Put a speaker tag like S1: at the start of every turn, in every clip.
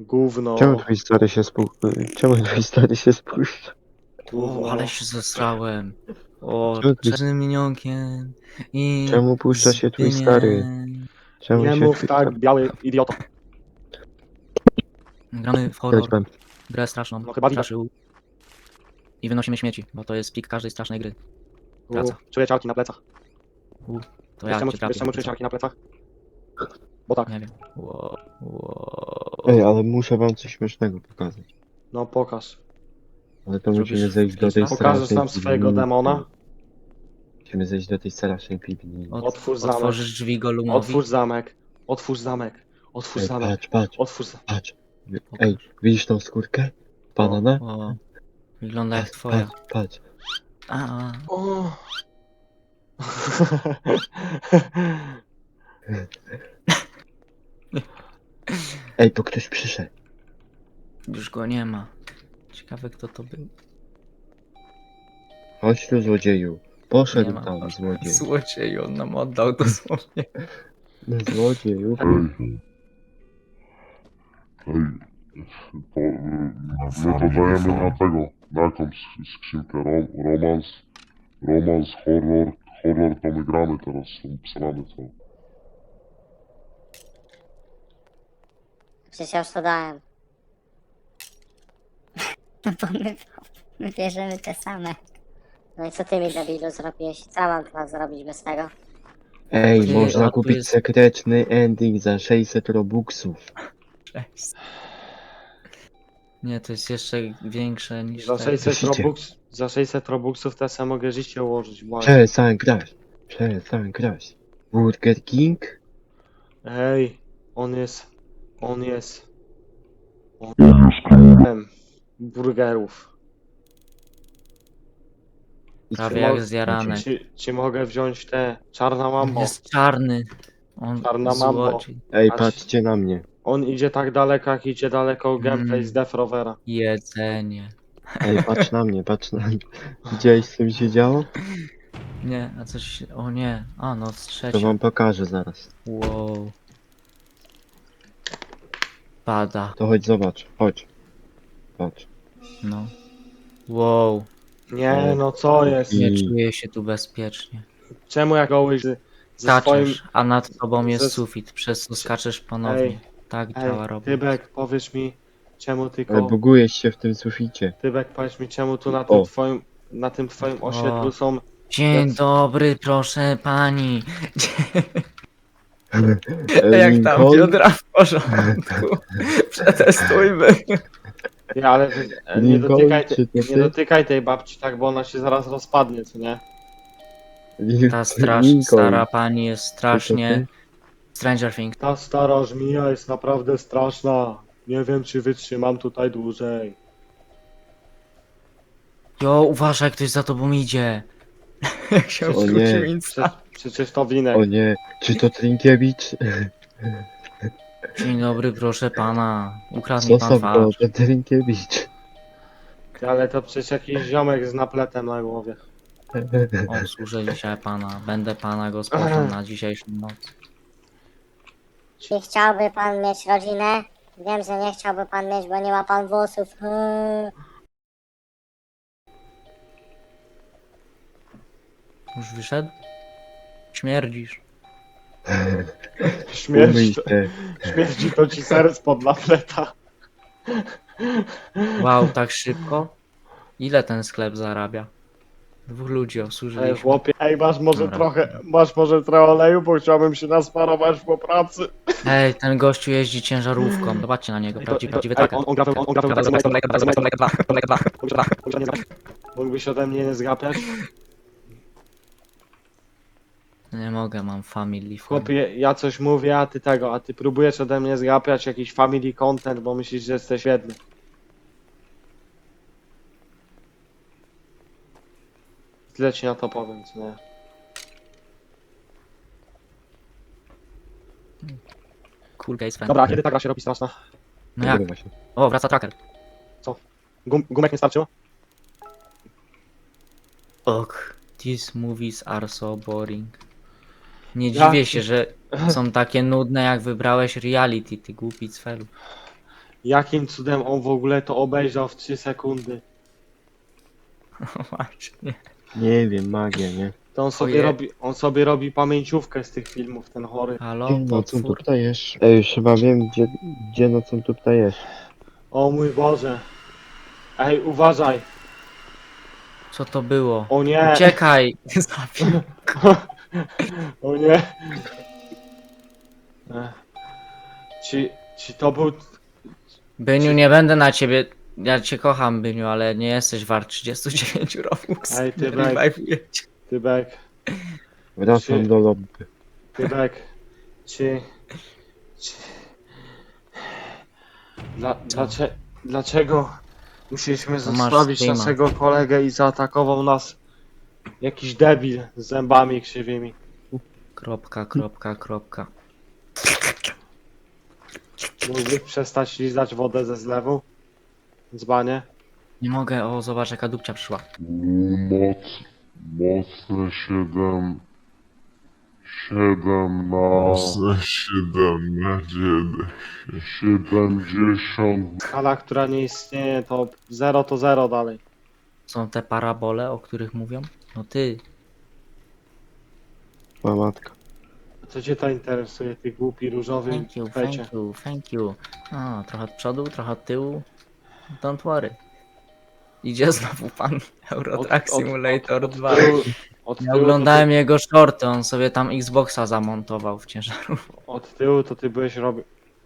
S1: Gówno.
S2: Czemu twój stary się spuszcza?
S1: Gówno.
S3: O, ale się zesrałem. O,
S2: Czemu twój-
S3: czarnym minionkiem i
S2: Czemu puszcza się twój stary?
S3: Zbyniem.
S2: Czemu
S1: Nie
S2: się
S1: mów
S2: twój
S1: tak, biały idioto.
S3: Gramy w horror,
S2: stary...
S3: grę straszną,
S1: No chyba widać.
S3: straszył. I wynosimy śmieci, bo to jest pik każdej strasznej gry. Wraca.
S1: Czuję ciarki na plecach.
S3: To ja cię
S1: Wiesz
S3: trafię.
S1: czemu czuję ciarki na plecach? Bo tak.
S3: Nie wiem. Wow, wow.
S2: Ej, ale muszę wam coś śmiesznego pokazać.
S1: No pokaż.
S2: Ale to
S3: Zrobisz
S2: musimy zejść do tej
S3: face'a?
S1: Pokażesz
S2: strasznej
S1: nam swojego
S2: piwnicy.
S1: demona?
S2: Musimy zejść do tej strasznej piwnicy.
S1: Otwórz zamek.
S3: Otworzysz drzwi Golumowi?
S1: Otwórz zamek. Otwórz zamek. Otwórz
S2: Ej,
S1: zamek.
S2: patrz.
S1: Otwórz zamek.
S2: Patrz. Ej, widzisz tą skórkę? Banana?
S3: O, wygląda jak twoja.
S2: Patrz.
S3: A,
S1: O.
S2: Ej, to ktoś przyszedł.
S3: już go nie ma. Ciekawe kto to był.
S2: Chodź tu, złodzieju.
S3: Nie
S2: Poszedł
S3: ma.
S2: tam, złodziej.
S3: Złodziej, on nam oddał dosłownie.
S2: No, złodzieju.
S4: To my to dajemy na tego, na jakąś skrzynkę, romans, horror to my gramy teraz, są psalamy co.
S5: Przecież ja już to dałem. Bo my bierzemy te same. No i co ty mi, debilu, zrobiłeś? Co mam teraz zrobić bez tego?
S2: Ej,
S3: Ty, a
S2: można
S3: tu
S2: kupić
S3: jest-
S2: sekretny ending za 600 robuxów.
S3: Cześć. Nie, to jest jeszcze większe niż
S1: Za
S3: te.
S1: 600
S2: Myślicie?
S1: za 600 robuxów to ja mogę życie ułożyć. Błagam.
S2: Przestań grać. Burger King?
S1: Hej, on jest burgerów.
S2: I
S3: Prawie
S2: co?
S3: jak zjarane.
S1: Czy mogę wziąć te czarna
S3: On
S1: mambo?
S3: jest czarny. On
S1: Czarna mambo.
S3: złodziej.
S2: Ej,
S1: Patrz.
S2: patrzcie na mnie.
S1: On idzie tak daleko, jak idzie daleko gameplay z Death Rovera.
S3: Jedzenie.
S2: Ej, patrz na mnie. Widziałeś, co mi się działo?
S3: Nie, a coś. O nie. A no,
S2: To
S3: trzecia.
S2: wam pokażę zaraz.
S3: Wow. Pada.
S2: To chodź, zobacz. Chodź. Patrz.
S3: No. Wow.
S1: Nie, no co jest?
S3: Nie
S2: I-
S3: czuję się tu bezpiecznie.
S1: Czemu jak gołyś ze swoim...
S3: Skaczesz, a nad tobą jest
S1: ze-
S3: sufit, przez co skaczesz ponownie.
S1: Ej,
S3: Tak
S1: Ej,
S3: działa robot.
S1: Tybek, powiesz mi, czemu
S2: Ale
S1: tylko...
S2: bugujesz się w tym suficie.
S1: Tybek, powiedz mi, czemu tu
S2: O.
S1: na tym twoim osiedlu są...
S3: Dzień
S1: jak-
S3: dobry, proszę pani.
S2: Jak tam
S3: biodra w porządku. Przetestujmy.
S1: Nie, ale nie
S2: Lincoln,
S1: dotykaj,
S2: czy to
S1: nie
S2: ty?
S1: dotykaj tej babci tak, bo ona się zaraz rozpadnie, co nie?
S3: Ta
S2: Lincoln.
S3: stara pani jest
S2: Czy
S3: strasznie...
S2: to
S3: Stranger Things.
S1: Ta stara żmija jest naprawdę straszna. Nie wiem, czy wytrzymam tutaj dłużej.
S3: Jo, uważaj, ktoś za tobą idzie. Jak się
S2: O nie.
S3: odwrócił Insta.
S1: Przecież to
S2: ty?
S1: winek.
S2: O nie, czy to Trinkiewicz?
S3: Dzień dobry, proszę pana. Ukradł mi
S2: Co
S3: pan
S2: są
S3: twarz.
S2: to Trinkiewicz?
S1: Ale to przecież jakiś ziomek z napletem na głowie.
S3: Obsłużę dzisiaj pana. Będę pana gospodą na dzisiejszą noc.
S5: Czy chciałby pan mieć rodzinę? Wiem, że nie chciałby pan mieć, bo nie ma pan włosów.
S3: Już wyszedł? Śmierdzisz.
S1: Śmierć to,
S2: Umyj się.
S1: śmierdzi to ci serc pod napleta.
S3: Wow, tak szybko? Ile ten sklep zarabia? 2 ludzi
S1: Ej,
S3: obsłużyliśmy.
S1: chłopie,
S3: Dobra.
S1: masz może trochę oleju, bo chciałbym się nasmarować po pracy.
S3: Ej, ten gościu jeździ ciężarówką. Zobaczcie na niego, prawdziwy
S1: Ej,
S3: tracker.
S1: on gra Mógłbyś ode mnie nie zgapiać?
S3: Nie mogę, mam family friend.
S1: Chłopie, ja coś mówię, a ty próbujesz ode mnie zgapiać jakiś family content, bo myślisz, że jesteś jedny. Tyle ci na to powiem, co nie?
S3: Cool case friend.
S1: Dobra, a kiedy ta gra się robi straszna?
S3: No jak?
S2: Nagrywa się.
S3: O, wraca tracker.
S1: Gumek nie starczyło?
S3: Ok, these movies are so boring. Nie
S1: Ja-
S3: dziwię się, że są takie nudne, jak wybrałeś reality, ty głupi cfelu.
S1: Jakim cudem on w ogóle to obejrzał w 3 sekundy?
S3: Właśnie.
S2: Nie wiem, magia, nie?
S1: To on sobie robi pamięciówkę z tych filmów, ten chory.
S3: Halo,
S2: Ty nocą tu
S3: potwór?
S2: ptajesz. Ej, już chyba wiem, gdzie nocą tu ptajesz.
S1: O mój Boże. Ej, uważaj.
S3: Co to było?
S1: O nie.
S3: Uciekaj! Zabił.
S1: O nie. Ech. Czy to był...
S3: Byniu, nie będę na ciebie. Ja cię kocham, Byniu, ale nie jesteś wart 39 Robux.
S1: Ej, ty
S3: Nie
S1: bek.
S3: revive'uję cię.
S1: Tybek,
S2: Wracam
S1: Czy-
S2: do lobby.
S1: Tybek. Czy... Dlaczego musieliśmy
S3: masz
S1: zostawić
S3: streama.
S1: naszego kolegę i zaatakował nas jakiś debil z zębami krzywymi?
S3: Kropka, kropka, kropka.
S1: Mógłbyś przestać lizać wodę ze zlewu? Dzbanie?
S3: Nie mogę, o zobacz jaka dupcia przyszła.
S4: Mocne 7 na... 7 na 70.
S1: Skala, która nie istnieje, to 0 to 0 dalej.
S3: Są te parabole, o których mówią? No ty,
S2: Ma matka.
S1: Co cię to interesuje, ty głupi różowy
S3: thank you,
S1: kwecie?
S3: thank you, thank you. O, trochę od przodu, trochę od tyłu. Don't worry. Idzie znowu pan Eurotrack Simulator 2.
S1: Od
S3: Ja
S1: tyłu,
S3: oglądałem jego shorty, on sobie tam Xboxa zamontował w ciężarówce.
S1: od tyłu to ty byłeś robił.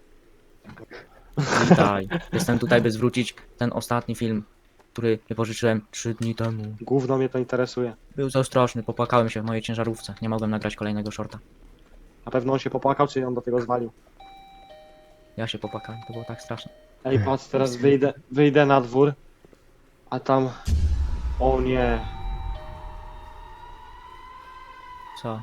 S3: Witaj. Jestem tutaj, by zwrócić ten ostatni film, który wypożyczyłem 3 dni temu.
S1: Gówno mnie to interesuje.
S3: Był za straszny, popłakałem się w mojej ciężarówce. Nie mogłem nagrać kolejnego shorta.
S1: Na pewno on się popłakał, czy on do tego zwalił.
S3: Ja się popłakałem, to było tak straszne.
S1: Ej, patrz, teraz wyjdę na dwór, a tam... O nie.
S3: Co?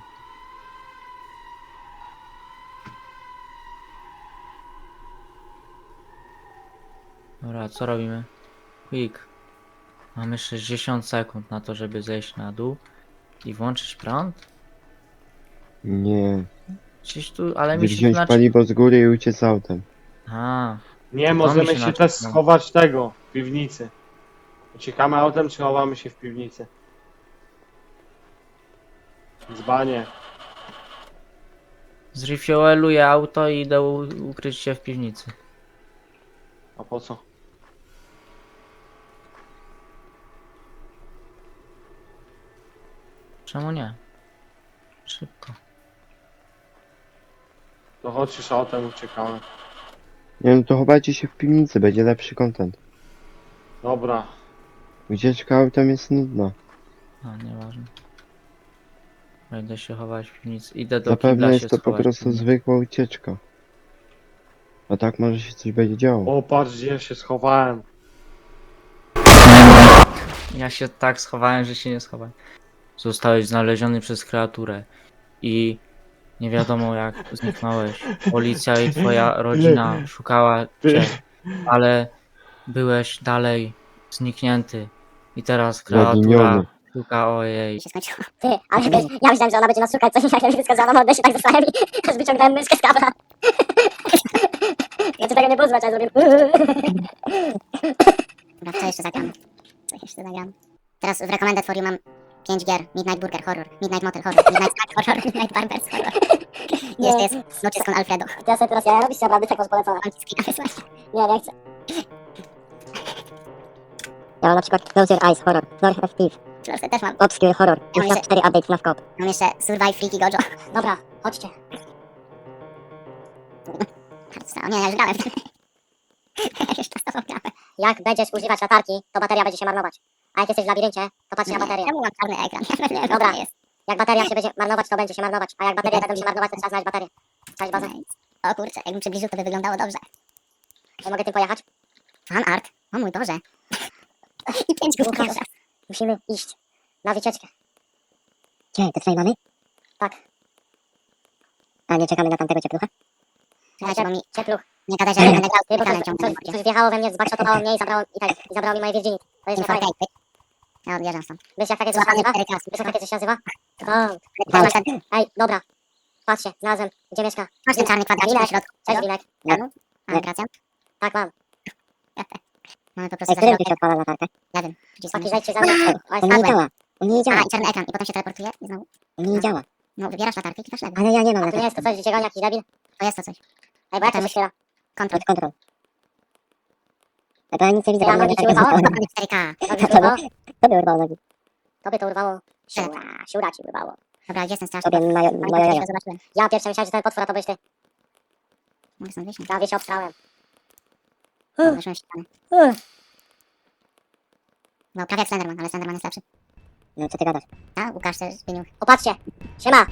S3: Dobra, co robimy? Quick. Mamy 60 sekund na to, żeby zejść na dół i włączyć prąd?
S2: Nie.
S3: Gdzieś tu, ale mi się
S2: Wziąć
S3: znaczy...
S2: paliwo z góry i uciec autem.
S3: A,
S1: Nie,
S3: To
S1: możemy
S3: mi się
S1: się
S3: znaczy,
S1: też
S3: no.
S1: schować tego, w piwnicy. Uciekamy autem, czy chowamy się w piwnicy? Dzbanie.
S3: zrefueluję auto i idę ukryć się w piwnicy.
S1: A po co?
S3: Czemu nie? Szybko.
S1: To chodź już autem, uciekamy.
S2: Nie no to chowajcie się w piwnicy, będzie lepszy content.
S1: Dobra.
S2: Ucieczka autem jest nudna.
S3: A, nieważne. Będę się chować w piwnicy. Idę do
S2: Zapewne
S3: kibla
S2: jest
S3: się
S2: to po
S3: schować w
S2: prostu
S3: piwnicy.
S2: zwykła ucieczka. A tak może się coś będzie działo.
S1: O, patrz, gdzie ja się schowałem.
S3: Ja się tak schowałem, że się nie schowałem. Zostałeś znaleziony przez kreaturę i nie wiadomo jak zniknąłeś. Policja i twoja rodzina szukała cię, ale byłeś dalej zniknięty. I teraz kreatura
S2: Zaginiony.
S3: szuka ojej.
S5: Się skończyło. Ty, ale wiesz, ja myślałem, że ona będzie nas szukać, coś jak ja wszystko za mną się tak zostałem i aż wyciągnąłem myszkę z kabla. Znaczy tego nie było zwać, ale zrobię... Dobra, co jeszcze zagram? Co jeszcze zagram? Teraz w Recommended For You mam 5 gier. Midnight Burger Horror, Midnight Motel Horror, Midnight Snack Horror, Midnight Barbers Horror. I jeszcze jest Noches con Alfredo. Ja sobie teraz, ja robisz naprawdę tak polecona. Mam ci screena wysłać. Nie chcę. Ja mam na przykład Close Your Eyes Horror, Lord of Thief. Close też mam. Obscure Horror,
S6: Ja mam
S5: Insta 4 Updates na skop.
S6: Mam jeszcze Survive Freaky Gojo.
S5: Dobra, chodźcie.
S6: O nie, ja już grałem w tym. Już czas to grałem.
S5: Jak będziesz używać latarki, to bateria będzie się marnować. A jak jesteś w labiryncie, to patrz na baterię.
S6: Czemu mam czarny ekran? Ja nie wiem,
S5: Dobra.
S6: co to jest.
S5: Jak bateria się będzie marnować, to będzie się marnować. A jak baterie będą się marnować, to trzeba znaleźć baterię. Cześć bazę.
S6: O kurczę, jakbym przybliżył, to by wyglądało dobrze.
S5: Ja mogę tym pojechać?
S6: Fan art. O mój Boże. I 5 głów
S5: Łukasz,
S6: teraz.
S5: musimy iść na wycieczkę. Gdzie? Do twojej mamy? Tak. A nie czekamy na tamtego cieplucha?
S6: Czekajcie, bo mi
S5: Ciepluch.
S6: nie gadaj, że ja będę grał z
S5: Ty, bo
S6: ekranem
S5: coś,
S6: ciągle.
S5: coś wjechało we mnie, zbakszotowało mnie i zabrało mi moje Virginity. To jest
S6: Info
S5: niefajne.
S6: tape. Ja odbieram stąd.
S5: Wiesz jak takie coś się
S6: Złapany
S5: nazywa?
S6: 4 klasy.
S5: Wiesz jak takie coś się nazywa?
S6: Masz
S5: Ej, dobra. Patrzcie, znalazłem. Gdzie mieszka?
S6: ten czarny kwadracik na
S5: Linek.
S6: środku.
S5: Cześć Linek.
S6: Granu? Mam Gracjan?
S5: Tak, mam. Mamy po prostu
S6: Ej, którym tu
S5: zaszczepkę.
S6: się odpala latarkę?
S5: Lewym. Przyciskiem
S6: Chłopaki,
S5: myszy.
S6: zejdźcie za mną. O,
S5: Ej,
S6: on nie
S5: spadłem.
S6: działa. On nie działa.
S5: Aha, i czarny ekran. I potem się teleportuje i znowu.
S6: On nie działa.
S5: No, wybierasz latarkę i klikasz lewy.
S6: Ale ja nie mam
S5: To
S6: latarki.
S5: nie jest to coś, że cię goni jakiś debil? To jest to coś. Ej, bo jak to się chwila? Kontrol.
S6: Kontrol. To ja nic nie widzę,
S5: Ja
S6: bo
S5: nogi
S6: mnie
S5: ci
S6: latarka
S5: urwało?
S6: została.
S5: 4K.
S6: To urwało? To by urwało nogi.
S5: Tobie to urwało. Siura ci urwało. Dobra, gdzie jest ten straż?
S6: Tobie moje jaja.
S5: Zobaczyłem. Ja pierwsze myślałem, że ten potwór, a to byś ty. Mogę stąd wyjść? Ja się obstrałem. Wyszłem w ścianę. No, prawie jak Slenderman, ale Slenderman jest lepszy.
S6: No co ty gadasz?
S5: A, Łukasz też zmienił. Opatrzcie! Siema!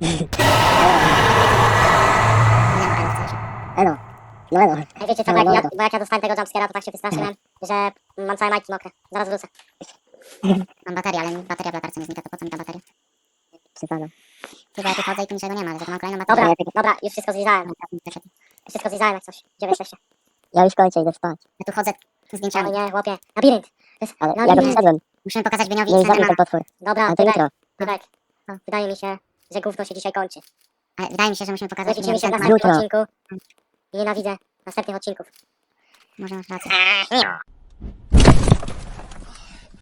S6: Elo. No elo.
S5: Ej, wiecie co, bo jak ja dostałem tego jumpscare'a, to tak się wystraszyłem, że mam całe majtki mokre. Zaraz wrócę. Mam baterię, ale bateria w latarce nie znika, to po co mi ta bateria?
S6: Przesada.
S5: Chyba ja tu chodzę i tu niczego nie ma, ale za to mam kolejną baterię. Dobra, już wszystko zlizałem. Wszystko zlizałem jak coś. Gdzie wy jesteście?
S6: Ja już kończę, idę spać.
S5: Ja tu chodzę z zdjęciami.
S6: No
S5: Ale nie, chłopie. Labirynt!
S6: Ale ja go przeszedłem.
S5: Musimy pokazać Beniowi
S6: Nie
S5: i
S6: zabił ten
S5: Slendermana.
S6: potwór.
S5: Dobra,
S6: Ale to jutro.
S5: Tybek. Wydaje mi się, że gówno się dzisiaj kończy. Ale wydaje mi się, że musimy pokazać
S6: Widzimy
S5: Beniowi
S6: się
S5: i
S6: na
S5: Slendermana.
S6: następnym
S5: Nienawidzę następnych odcinków. Może masz rację.